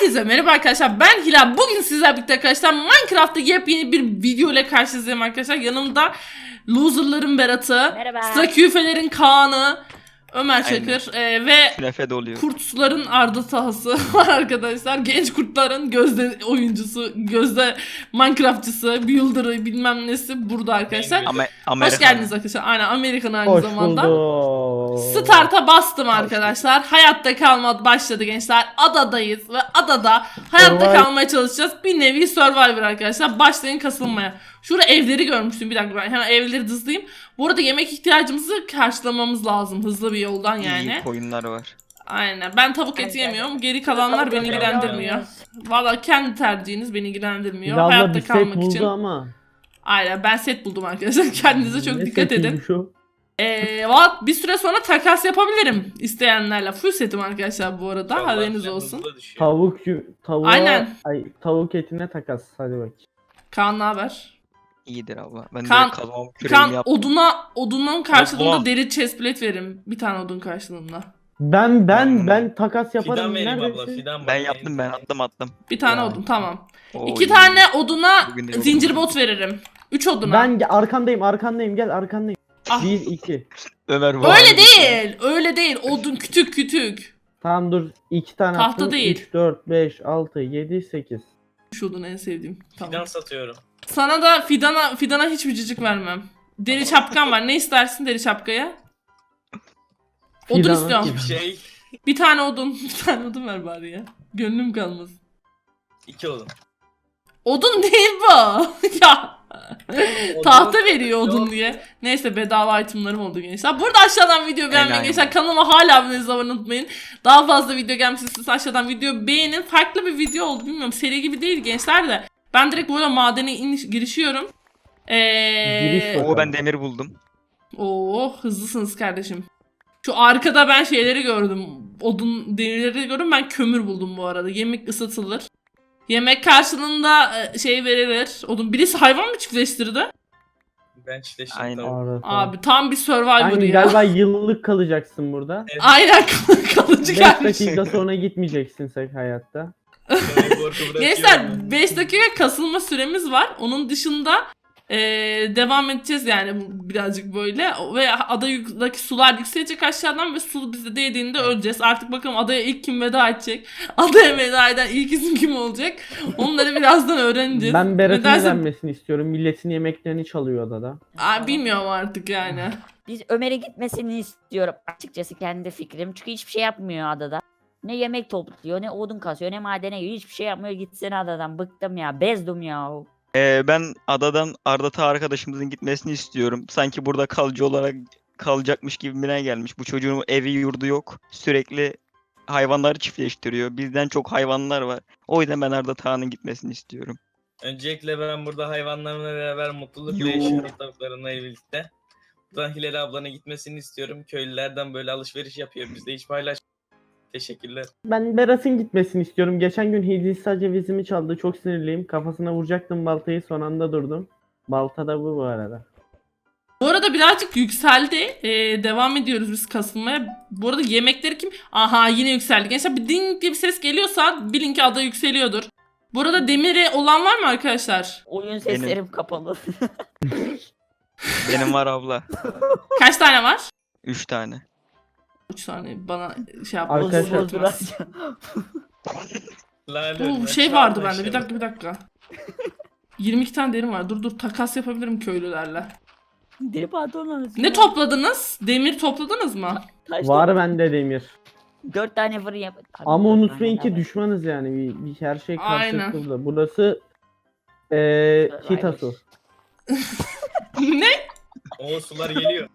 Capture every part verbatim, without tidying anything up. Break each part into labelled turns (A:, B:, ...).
A: Herkese merhaba arkadaşlar, ben Hilal. Bugün sizlerle birlikte arkadaşlar Minecraft'ta yepyeni bir video ile karşınızdayım arkadaşlar. Yanımda loserların Berat'ı,
B: Merhaba.
A: Straküfelerin Kaan'ı, Ömer Çakır e, ve kurtların Arda Tahası var arkadaşlar. Genç kurtların gözde oyuncusu, gözde Minecraftçısı, builder'ı bilmem nesi burada arkadaşlar.
C: Ama,
A: Hoş geldiniz arkadaşlar. Aynen, Amerikan aynı
D: Hoş
A: zamanda.
D: bulduk.
A: Start'a bastım arkadaşlar. Hayatta kalma başladı gençler. Adadayız ve adada hayatta
D: Survive.
A: kalmaya çalışacağız. Bir nevi Survivor arkadaşlar. Başlayın kasılmaya. Şurada evleri görmüştüm. Bir dakika, ben hemen evleri hızlayayım. Bu arada yemek ihtiyacımızı karşılamamız lazım. Hızlı bir yoldan yani.
C: İyi koyunlar var.
A: Aynen. Ben tavuk eti yemiyorum. Geri kalanlar beni ilgilendirmiyor. Valla kendi tercihiniz beni ilgilendirmiyor.
D: Valla
A: Hayatta
D: bir set
A: kalmak
D: buldu
A: için.
D: ama.
A: Aynen, ben set buldum arkadaşlar. Kendinize çok
D: Ne
A: dikkat edin.
D: setiymiş o?
A: Ee, valla bir süre sonra takas yapabilirim isteyenlerle. Full setim arkadaşlar bu arada.
E: İnşallah
A: Haberiniz
E: sen
A: olsun.
E: hızlı düşüyor.
D: Tavuk yu- tavuğa,
A: Aynen.
D: Ay, tavuk etine takas. Hadi bak.
A: Kaan ne haber?
C: İyidir abla. Ben
A: Kan-
C: de kazmamı küreğimi
A: Kaan
C: yaptım.
A: oduna odunun karşılığında
E: Allah.
A: deri chestplate veririm. Bir tane odun karşılığında.
D: Ben ben
C: Hmm.
D: ben takas yaparım.
E: Fidan vereyim abla,
D: Neredesin?
E: fidan
C: Ben
E: bana
C: yaptım, ben attım attım.
A: Bir tane
D: Ya.
A: odun, tamam.
C: Oo,
A: İki
C: iyi.
A: tane oduna
C: Bugün de yoruldum.
A: zincir bot veririm. Üç oduna.
D: Ben ge- arkandayım arkandayım gel arkandayım.
A: Ah.
D: Bir iki.
C: Ömer bu
A: Öyle
C: arada-
A: değil. Öyle değil. Odun kütük kütük.
D: Tamam dur. iki tane
A: Tahta
D: attım.
A: değil.
D: üç, dört, beş, altı, yedi, sekiz.
A: Şu odun en sevdiğim. Tamam.
E: Fidan satıyorum.
A: Sana da fidana fidana hiçbir cicik vermem. Deri şapkan var. Ne istersin deri şapkaya? Odun
D: Fidana
A: istiyorum.
D: kim?
E: Bir şey,
A: Bir tane odun. Bir tane odun ver bari ya. Gönlüm kalmasın.
E: iki olun.
A: Odun değil bu. Ya.
E: Odun-
A: Tahta veriyor odun
E: Yok.
A: diye. Neyse, bedava itemlarım oldu gençler. Burada aşağıdan video beğenmeyi
C: Aynen.
A: gençler. Kanalıma hala abone olmayı unutmayın. Daha fazla video gelmesi istiyorsanız aşağıdan video beğenin. Farklı bir video oldu, bilmiyorum. Seri gibi değil gençler de. Ben direkt böyle madene iniş, girişiyorum.
D: Giriş
A: Eee...
D: var.
C: Oo, ben demir buldum.
A: Oo, hızlısınız kardeşim. Şu arkada ben şeyleri gördüm. Odun demirleri gördüm. Ben kömür buldum bu arada. Yemek ısıtılır. Yemek karşılığında e, şey verilir. Odun. Birisi hayvan mı çiftleştirdi?
E: Ben çiftleştim.
C: Aynen.
E: Tamam.
D: Arada.
A: Abi tam bir Survivor
D: Aynen,
A: ya.
D: galiba yıllık kalacaksın burada.
A: Aynen kalıcı
D: beş
A: gelmiş.
D: dakika sonra gitmeyeceksin sen hayatta.
E: Ben korku bırakıyorum.
A: Gençler beş dakika kasılma süremiz var. Onun dışında e, devam edeceğiz yani bu birazcık böyle. Ve adadaki sular yükselecek aşağıdan ve su bize değdiğinde öleceğiz. Artık bakalım adaya ilk kim veda edecek? Adaya veda eden ilk isim kim olacak? Onları birazdan öğreneceğiz.
D: Ben Berat'ın
A: Nedense-
D: elenmesini istiyorum. Milletin yemeklerini çalıyor odada.
A: Aa, bilmiyorum artık yani.
B: Biz Ömer'e gitmesini istiyorum. Açıkçası kendi fikrim. Çünkü hiçbir şey yapmıyor adada. Ne yemek topluyor, ne odun kasıyor, ne madene giriyor. Hiçbir şey yapmıyor. Gitsin adadan. Bıktım ya. Bezdim ya.
C: Ee, ben adadan Ardata arkadaşımızın gitmesini istiyorum. Sanki burada kalıcı olarak kalacakmış gibime gelmiş. Bu çocuğun evi yurdu yok. Sürekli hayvanları çiftleştiriyor. Bizden çok hayvanlar var. O yüzden ben Ardata'nın gitmesini istiyorum.
E: Öncelikle ben burada hayvanlarımla beraber mutluluk
C: Yo.
E: ve yaşıyorum tavuklarımla birlikte. Buradan Hilal ablanın gitmesini istiyorum. Köylülerden böyle alışveriş yapıyor. Bizde hiç paylaş. Teşekkürler.
D: Ben Berat'ın gitmesini istiyorum. Geçen gün Hindistan cevizimi çaldı. Çok sinirliyim. Kafasına vuracaktım baltayı. Son anda durdum. Balta da bu bu arada.
A: Bu arada birazcık yükseldi. Ee, devam ediyoruz biz kasılmaya. Bu arada yemekleri kim? Aha, yine yükseldi. Gençler bir ding diye bir ses geliyorsa bilin ki ada yükseliyordur. Bu arada demiri olan var mı arkadaşlar?
B: Oyun seslerim kapalı.
C: Benim var abla.
A: Kaç tane var?
C: Üç tane.
A: üç tane bana şey yap.
D: Arkadaşlar-
A: bozuldu biraz.
E: Lale,
A: Bu
E: ben
A: şey
E: şu
A: vardı
E: anda
A: bende. Bir
E: işte-
A: dakika bir dakika. yirmi iki tane derim var. Dur dur takas yapabilirim köylülerle.
B: Deri pantolon.
A: Ne topladınız? Demir topladınız mı?
D: Var bende demir.
B: Dört tane fırın yap. Tabii
D: Ama
B: dört
D: unutmayın
B: tane
D: ki
B: daha var.
D: düşmanız yani. Bir, bir her şey
A: Aynen.
D: karşılıklı burada. Burası eee Hitasu.
A: Ne?
E: O sular geliyor.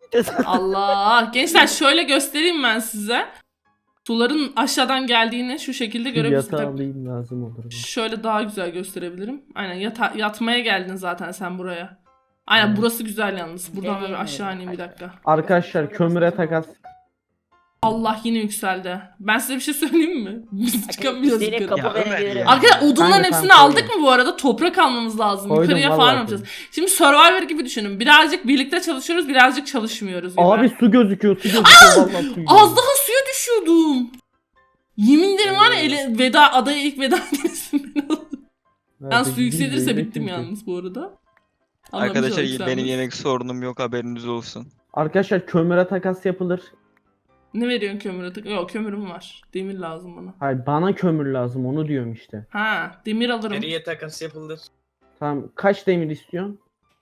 A: Allah. Gençler şöyle göstereyim ben size. Suların aşağıdan geldiğini şu şekilde görebilirsiniz.
D: Yatağı
A: Tabii
D: alayım lazım olur. mu?
A: şöyle daha güzel gösterebilirim. Aynen yata- yatmaya geldin zaten sen buraya. Aynen
D: Evet.
A: burası güzel yalnız. Buradan böyle
B: Deneyim
A: aşağı
B: mi?
A: ineyim bir dakika.
D: Arkadaşlar kömüre takas.
A: Allah yine yükseldi. Ben size bir şey söyleyeyim mi? Biz çıkamayacağız
B: İsteyerek
A: yukarı.
B: kapı
C: Ya Ömer
B: verebilirim.
C: ya.
A: Arkadaşlar odunların
D: Ben de
A: hepsini
D: tam
A: aldık
D: koydum.
A: mı bu arada? Toprak almamız lazım.
D: Koydum,
A: Yukarıya
D: vallahi
A: falan
D: koydum.
A: yapacağız. Şimdi Survivor gibi düşünün. Birazcık birlikte çalışıyoruz, birazcık çalışmıyoruz gibi.
D: Abi su gözüküyor, su gözüküyor. Vallahi su
A: Az daha suya düşüyordum. Yemin ederim var ya
D: Evet.
A: ele, veda adaya ilk veda gelirsin ben alırım. Ben
D: Evet,
A: su
D: gideyim de
A: yükselirse
D: yemek
A: bittim
D: yiyeceğim.
A: yalnız bu arada. Allah'ım
C: Arkadaşlar
A: inşallah
C: benim
A: yükselmez.
C: yemek sorunum yok, haberiniz olsun.
D: Arkadaşlar kömüre takas yapılır.
A: Ne veriyorsun kömüre? tık- Yok kömürüm var. Demir lazım bana.
D: Hayır bana kömür lazım onu diyorum işte.
A: Ha demir alırım.
E: Nereye takas yapılır?
D: Tamam kaç demir istiyorsun?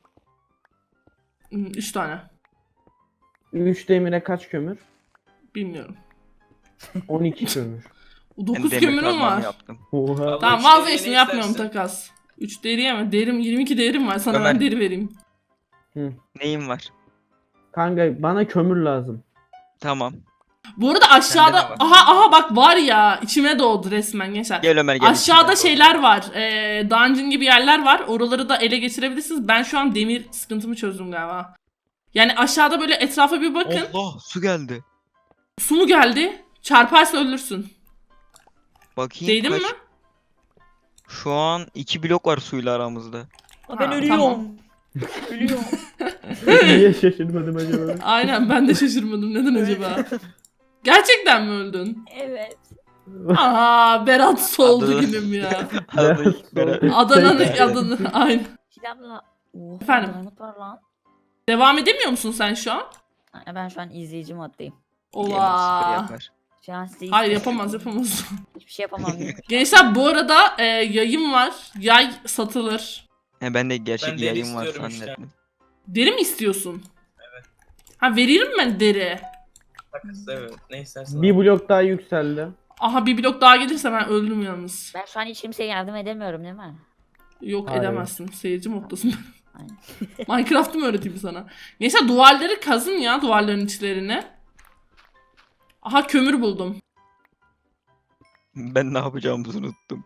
A: Hmm, Üç tane.
D: üç demire kaç kömür?
A: Bilmiyorum.
D: on iki kömür.
C: Ben
A: Dokuz
C: demir
A: kömürüm
C: kazmamı
A: var.
C: yaptım.
D: Oha.
E: Abla
A: Tamam
E: üç deriye
A: vazgeçtim
E: ne
A: yapmıyorum
E: istersin?
A: takas. üç deri ama derim yirmi iki derim var sana
C: Ömer.
A: ben deri vereyim.
C: Neyim var?
D: Kanka bana kömür lazım.
C: Tamam.
A: Bu arada aşağıda
C: de var.
A: aha aha bak var ya içime doğdu resmen gençler.
C: Gel Ömer gel.
A: Aşağıda
C: içinden
A: şeyler var. Ee, dungeon gibi yerler var. Oraları da ele geçirebilirsiniz. Ben şu an demir sıkıntımı çözdüm galiba. Yani aşağıda böyle etrafa bir bakın.
C: Allah su geldi.
A: Su mu geldi? Çarparsa ölürsün.
C: Bakayım
A: Değdin
C: kaç.
A: mi?
C: Şu an iki blok var suyla aramızda.
A: Ha,
B: Ben ölüyorum.
A: tamam.
B: Ölüyorum.
D: Niye şaşırmadım acaba?
A: Aynen ben de şaşırmadım. Neden acaba? Gerçekten mi öldün?
B: Evet.
A: Aa Berat soldu
C: Adı-
A: günüm ya.
C: Adı- Berat-
A: Adana'nın
C: Peki.
A: adını aynen.
B: Silahla. Oha,
A: Efendim?
B: diamond var lan.
A: Devam edemiyor musun sen şu an?
B: Ha, Ben şu an izleyici moddayım.
C: Yemek sıfır
A: Ola.
C: yapar.
B: Şu an size
A: Hayır
B: hiçbir-
A: yapamaz yapamaz.
B: Hiçbir şey yapamam.
A: Gençler bu arada e, yayım var. Yay satılır.
C: He, ben de gerçek
E: Ben deri
C: yayın var
E: istiyorum işte.
C: zannettim.
A: Deri mi istiyorsun? Evet. Ha veririm ben deri.
E: Takas evet. Ne istersen.
D: Bir blok daha yükseldi.
A: Aha bir blok daha gelirse ben öldüm yalnız.
B: Ben şu an hiç kimseye yardım edemiyorum değil mi?
A: Yok
D: Hayır.
A: edemezsin. Seyirci moddasın.
B: Aynen.
A: Minecraft'ı mı öğreteyim sana? Neyse duvarları kazın ya duvarların içlerini. Aha kömür buldum.
C: Ben ne yapacağımızı unuttum.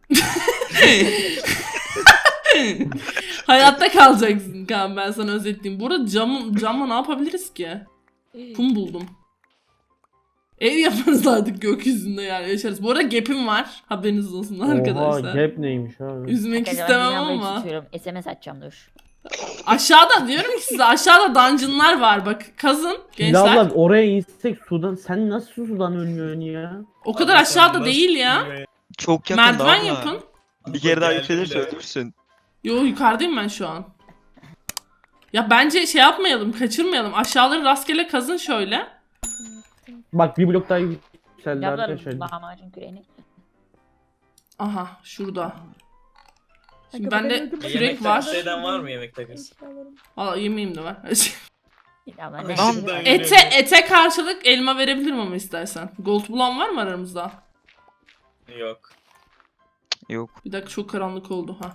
A: Hayatta kalacaksın Kaan ben sana özetleyeyim. Burada camı, camla ne yapabiliriz ki? Kum buldum. Ev yaparız artık gökyüzünde yani yaşarız. Bu arada gap'im var. Haberiniz olsun
D: Oha
A: arkadaşlar.
D: gap neymiş abi?
A: Üzmek
B: Arkadaşlar,
A: istemem
B: ben bir
A: ama.
B: lambayı tutuyorum. S M S atacağım dur.
A: Aşağıda diyorum ki size aşağıda dungeonlar var bak kazın gençler.
D: Silahla oraya insek sudan sen nasıl sudan ölmüyorsun ya?
A: O kadar
E: Abi sen
A: aşağıda
E: nasıl
A: değil ya.
E: bilmiyorum
C: Çok yakın
A: Merdiven
C: abla.
A: yapın.
C: Bir kere daha
E: Geldim
C: yükselirse
E: bile.
C: ölürsün.
A: Yo yukarıdayım ben şu an. Ya bence şey yapmayalım kaçırmayalım. Aşağıları rastgele kazın şöyle.
D: Bak bir blok daha yükseldi
B: Yaplarım
D: arkadaşlar.
B: lahmacun küreğini.
A: Aha şurada. Şimdi
B: Kanka,
A: bende
B: ben öldüm.
A: kürek
E: Yemek
A: var.
E: takası eden var mı yemek takası?
A: Valla yemeğim de var.
B: Ya ben
E: Lan.
B: de-
A: ete ete karşılık elma verebilirim ama istersen. Gold bulan var mı aramızda?
E: Yok.
C: Yok.
A: Bir dakika çok karanlık oldu ha.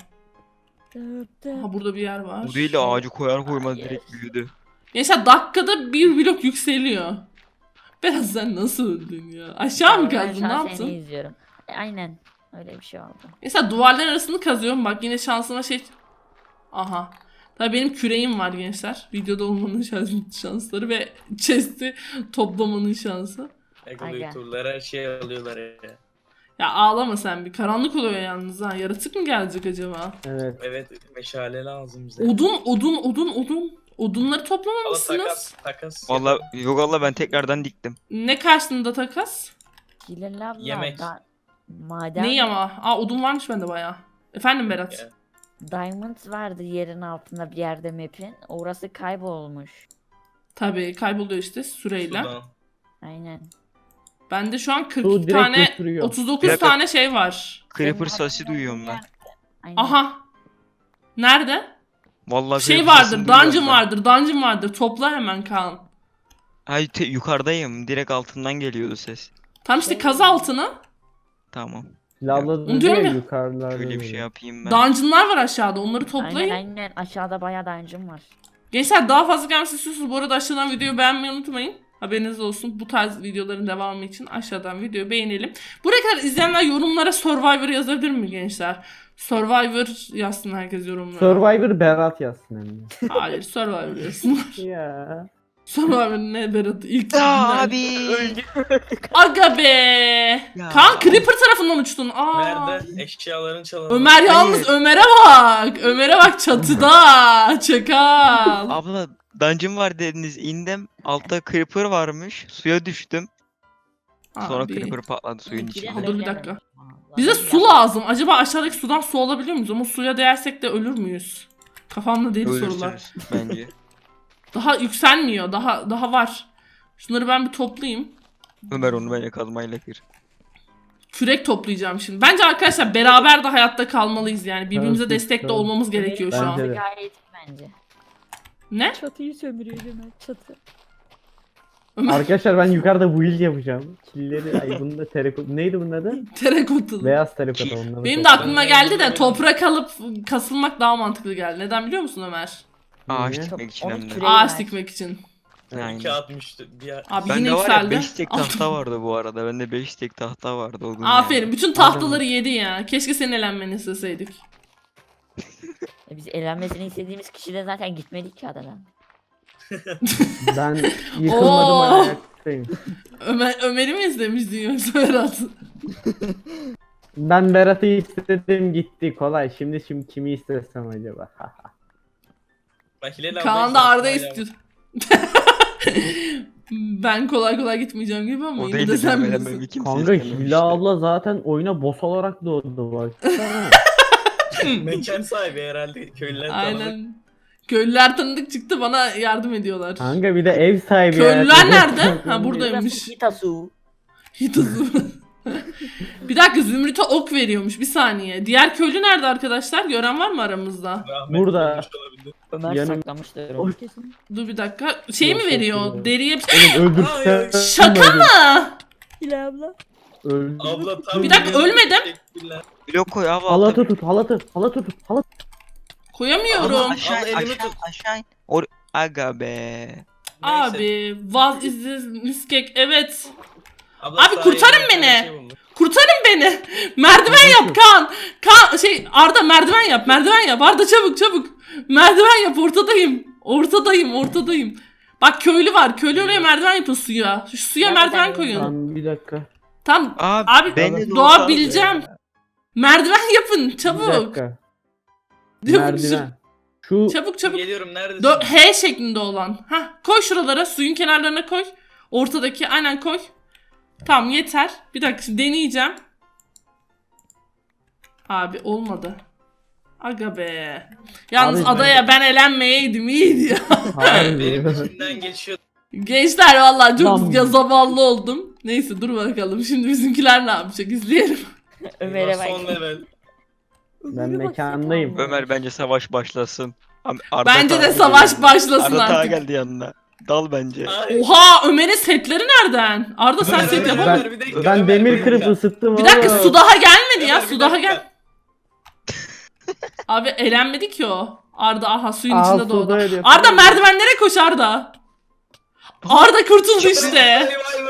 A: Ha burada bir yer var.
C: Bu değil de ağacı koyar koymaz
B: Hayır.
C: direkt büyüdü.
A: Mesela dakikada bir blok yükseliyor. Biraz sen nasıl öldün ya? Aşağı mı
B: Ben
A: kazdın
B: şu
A: ne
B: an
A: yaptın?
B: Seni izliyorum. E, aynen. Öyle bir şey oldu.
A: Mesela duvarların arasını kazıyorum bak yine şansıma şey... Aha. Tabii benim küreğim var gençler. Videoda olmanın şans- şansları ve chest'i toplamanın şansı.
B: Aga.
E: Ego turlar her şeyi alıyorlar ya.
A: Ya ağlama sen bir. Karanlık oluyor yalnız ha. Yaratık mı gelecek acaba?
D: Evet.
E: Evet meşale lazım bize.
A: Odun, odun, odun, odun. Odunları
E: Valla
A: toplamamışsınız.
E: takas takas.
C: Valla yok Allah ben tekrardan diktim.
A: Ne karşılığında takas?
B: Hilal abla.
E: Yemek.
B: Da, maden
A: Neyi ama? Aa odun varmış bende bayağı. Efendim Berat.
E: Ya.
B: Diamond vardı yerin altında bir yerde map'in. Orası kaybolmuş.
A: Tabii kayboluyor işte süreyle.
E: Sudan.
B: Aynen.
A: Bende şu an kırk
D: Su
A: iki
D: direkt
A: tane,
D: götürüyor.
A: otuz dokuz
C: Bir dakika.
A: tane şey var.
C: Creeper
B: Senin
C: sesi
B: altında
C: duyuyorum
B: bir
C: ben.
B: yer- Aynen.
A: Aha. Nerede?
C: Vallahi
A: Şey
C: creeper
A: vardır,
C: sesini duyuyorum
A: dungeon
C: ben.
A: vardır, dungeon vardır. Topla hemen Kaan.
C: Hayır te- yukarıdayım. Direkt altından geliyordu ses.
A: Tam işte
B: Şey-
A: kaz altını.
C: Tamam.
D: Silahla
A: Onu
D: dedi
A: diyorum
D: ya
A: ya.
D: yukarılarda.
C: Şöyle bir
D: dedi.
C: şey yapayım ben.
A: Dungeonlar var aşağıda. Onları toplayın.
B: Aynen aynen aşağıda bayağı dungeon var.
A: Gençler daha fazla gelmesi istiyorsanız bu arada aşağıdan videoyu beğenmeyi unutmayın. Haberiniz olsun. Bu tarz videoların devamı için aşağıdan videoyu beğenelim. Buraya kadar izleyenler yorumlara Survivor yazabilir mi gençler? Survivor yazsın herkes yorumlara.
D: Survivor Berat yazsın hem de.
A: Hayır Survivor yazsınlar.
D: Ya.
A: Survivor ne Berat ilk
C: Aa,
A: günden.
C: abi.
A: Aga be.
C: Ya.
A: Kaan Creeper tarafından uçtun. Aa.
E: Nerede? Eşyaların çalındı.
A: Ömer yalnız
C: Hayır.
A: Ömer'e bak. Ömer'e bak çatıda. Çakal.
C: Abla dungeon var dediniz indim. Altta creeper varmış. Suya düştüm. Sonra
A: Abi.
C: creeper patladı suyun
B: İkide
C: içinde.
A: Dur bir
B: söylemedim.
A: dakika.
B: Vallahi
A: Bize
B: ya.
A: su lazım. Acaba aşağıdaki sudan su alabiliyor muyuz? Ama suya değersek de ölür müyüz? Kafamda deli sorular.
C: Ölürsünüz bence.
A: Daha yükselmiyor. Daha daha var. Şunları ben bir toplayayım.
C: Ömer onu bence kazmayla kır.
A: Kürek toplayacağım şimdi. Bence arkadaşlar beraber de hayatta kalmalıyız yani. Birbirimize
D: Evet,
A: destek de
D: evet.
A: olmamız gerekiyor şu
D: Bence
A: an.
D: de.
B: Gayet bence.
A: Ne?
B: Çatıyı sömürüyor hemen çatı.
A: Ömer
D: Arkadaşlar ben yukarıda build yapacağım. Killeri ay bunun da terakot neydi bunun adı?
A: terekotalı.
D: Beyaz terakota onları.
A: Benim de
D: toplayacağım.
A: aklıma geldi de toprak alıp kasılmak daha mantıklı geldi. Neden biliyor musun Ömer?
C: Ağaç
D: Niye?
C: dikmek için
B: Onu
C: hem de.
B: küre-
A: Ağaç
B: ver.
A: dikmek için.
C: Aynen.
E: İki atmıştı. Bir
A: Abi
C: Bende
A: yine
C: var ya
A: yükseldi.
C: beş tek tahta vardı bu arada. Bende beş tek tahta vardı o gün.
A: Aferin.
C: yani.
A: Bütün tahtaları yedi ya. Keşke senin elenmeni isteseydik.
B: E biz eğlenmesini istediğimiz kişi de zaten gitmedik ki adadan.
D: Ben yıkılmadım
A: Oo.
D: ayaktayım.
A: Ömer, Ömer'i mi izlemiştin yoksa Berat?
D: Ben Berat'ı istedim gitti kolay. Şimdi şimdi kimi istesem acaba?
E: Bak Hilal abla
A: Kaan da
E: işte
A: Arda
E: hala-
A: istiyor. Ben kolay kolay gitmeyeceğim gibi ama
C: O
A: yine
C: değil
A: de
C: de
A: sen
C: benim
A: bilirsin.
C: elenmemi kimse
D: Kanka
C: istememişti.
D: Hila abla zaten oyuna boss olarak doğdu bak.
E: Mekan sahibi herhalde köylüler tanıdık.
A: Aynen. Köylüler tanıdık çıktı bana yardım ediyorlar.
D: Kanka bir de ev sahibi
A: Köylüler
D: yani.
A: nerede? Ha buradaymış.
B: Burası Hitasu.
A: Hitazu. Bir dakika Zümrüt'e ok veriyormuş bir saniye. Diğer köylü nerede arkadaşlar? Gören var mı aramızda?
E: Rahmetli
D: Burada.
E: olmuş olabilir.
B: Ömer
D: Yanım-
B: saklamıştır
D: Oy.
B: onu kesin.
A: Dur bir dakika. Şey mi
D: Yok,
A: veriyor?
D: yok, yok.
A: Deriye bir...
D: Oğlum
E: Ay,
D: öldürsen.
A: Şaka mı?
B: Hilal abla.
D: Öldür.
E: Abla tam
A: Bir dakika, ölmedim.
E: Teşekkürler.
C: Blok koy abi.
D: Halatı tut halatı halatı tut halatı.
A: Koyamıyorum.
C: Aşağı
E: Abla elimi
C: aşağı
E: tut.
C: aşağı. Or Aga be.
E: Neyse.
A: Abi vaz iziz miskek evet.
E: Abla
A: Abi
E: sahilde
A: kurtarın
E: bir tane
A: beni.
E: şey buldum.
A: Kurtarın beni. Merdiven yap Kaan. Kaan şey Arda merdiven yap. Merdiven yap. Arda çabuk çabuk. Merdiven yap ortadayım. Ortadayım ortadayım. Bak köylü var. Köylü oraya merdiven yapın suya. Şu suya
B: Nereden
A: merdiven
B: yapıyorsun?
A: koyun.
D: Tamam bir dakika.
A: Tam
C: Abi,
A: Abi,
C: beni de
A: doğa
C: olsa-
A: bileceğim. merdiven yapın
D: Bir
A: çabuk.
D: dakika.
A: Çabuk,
D: Merdiven. Şu
A: Çabuk çabuk.
E: Geliyorum neredesin?
A: Dö- H şeklinde olan. Hah koy şuralara suyun kenarlarına koy. Ortadaki aynen koy. Tamam yeter. Bir dakika şimdi deneyeceğim. Abi olmadı. Aga be. Yalnız
D: Abi,
A: adaya ben elenmeyeydim iyiydi ya.
E: Benim
D: harbi.
E: içimden geçiyor.
A: Gençler vallahi çok
D: Lan.
A: ya zavallı oldum. Neyse dur bakalım şimdi bizimkiler ne yapacak izleyelim.
B: Ömer'e
E: Eyvah, Son
B: bak.
E: level.
D: Ben
B: Ömer'e bak,
D: mekandayım.
B: Sefam.
C: Ömer bence savaş başlasın. Am- Arda
A: Bence de
C: Taha
A: savaş
C: geliyor.
A: başlasın
C: Arda Taha
A: artık.
C: geldi yanına. Dal bence.
E: Ay.
A: Oha Ömer'in setleri nereden? Arda sen
E: Ömer,
A: set
E: Ömer,
A: yapamam.
E: Ömer, bir dakika,
D: Ben
E: Ömer,
D: demir
E: bir
D: kırıp
E: dakika.
D: ısıttım
A: Bir dakika
D: oğlum.
A: su daha gelmedi ya
E: Ömer, bir
A: su daha
E: dakika.
A: gel. Abi elenmedi ki o. Arda aha suyun
D: Aa,
A: içinde
D: suda
A: doğdu.
D: öyle
A: Arda
D: yapıyor.
A: merdivenlere koş Arda. Arda kurtuldu işte.
E: Vay vay.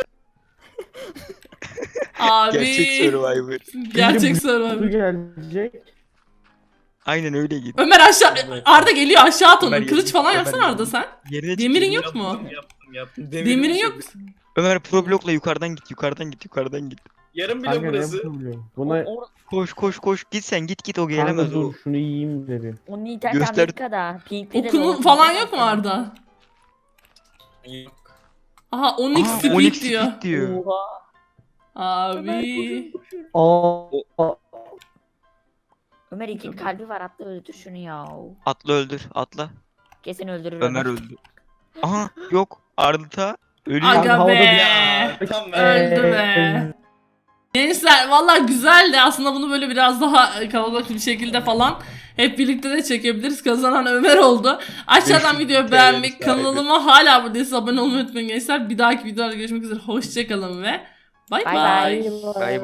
A: Abi.
C: Gerçek Survivor.
A: Gerçek
D: Su
A: Survivor.
D: gelecek.
C: Aynen öyle git.
A: Ömer aşağı Arda geliyor aşağı at onu.
C: Ömer
A: Kılıç
C: yedi-
A: falan
C: Ömer
A: yapsana
C: yedi.
A: Arda sen.
C: Yerine
A: Demirin
C: çık.
A: yok mu?
E: Yaptım, yaptım, yaptım. Demirin,
A: Demirin
E: bir şey
A: yok.
C: Ömer pro blokla yukarıdan git yukarıdan git yukarıdan git.
E: Yarım bile
D: Kanka ne
E: burası.
D: yapabiliyorum? Buna
B: O-
C: Koş koş koş git sen git git o
D: kanka
C: gelemez o.
D: dur şunu yiyeyim dedi.
B: Onun internet
C: Göster-
B: Amerika'da. Pink'te de
A: Okunun
B: doğru.
A: falan yok mu Arda?
E: Yok.
A: Aha Onyx
C: Aa,
A: Speed
C: Onyx
A: diyor.
C: Speed diyor.
B: Oha. Ömer
A: Abi.
B: koşun, koşun.
D: Aa,
B: Ömer iki kalbi var atla öldür şunu ya.
C: Atla öldür atla.
B: Kesin öldürür.
C: Ömer öldü. Aha yok Arda ölüyor.
A: Aga
D: havada
A: be.
E: Ya tam ben.
A: Öldü be. Gençler valla güzeldi. Aslında bunu böyle biraz daha kalabalık bir şekilde falan hep birlikte de çekebiliriz. Kazanan Ömer oldu. Aşağıdan
C: beş yüz
A: videoyu
C: T L
A: beğenmek,
C: sahibi.
A: kanalıma hala buradaysa abone olmayı unutmayın gençler. Bir dahaki videoda görüşmek üzere. Hoşçakalın ve bay
B: Bay
A: bay.
B: bay.
C: Bay bay.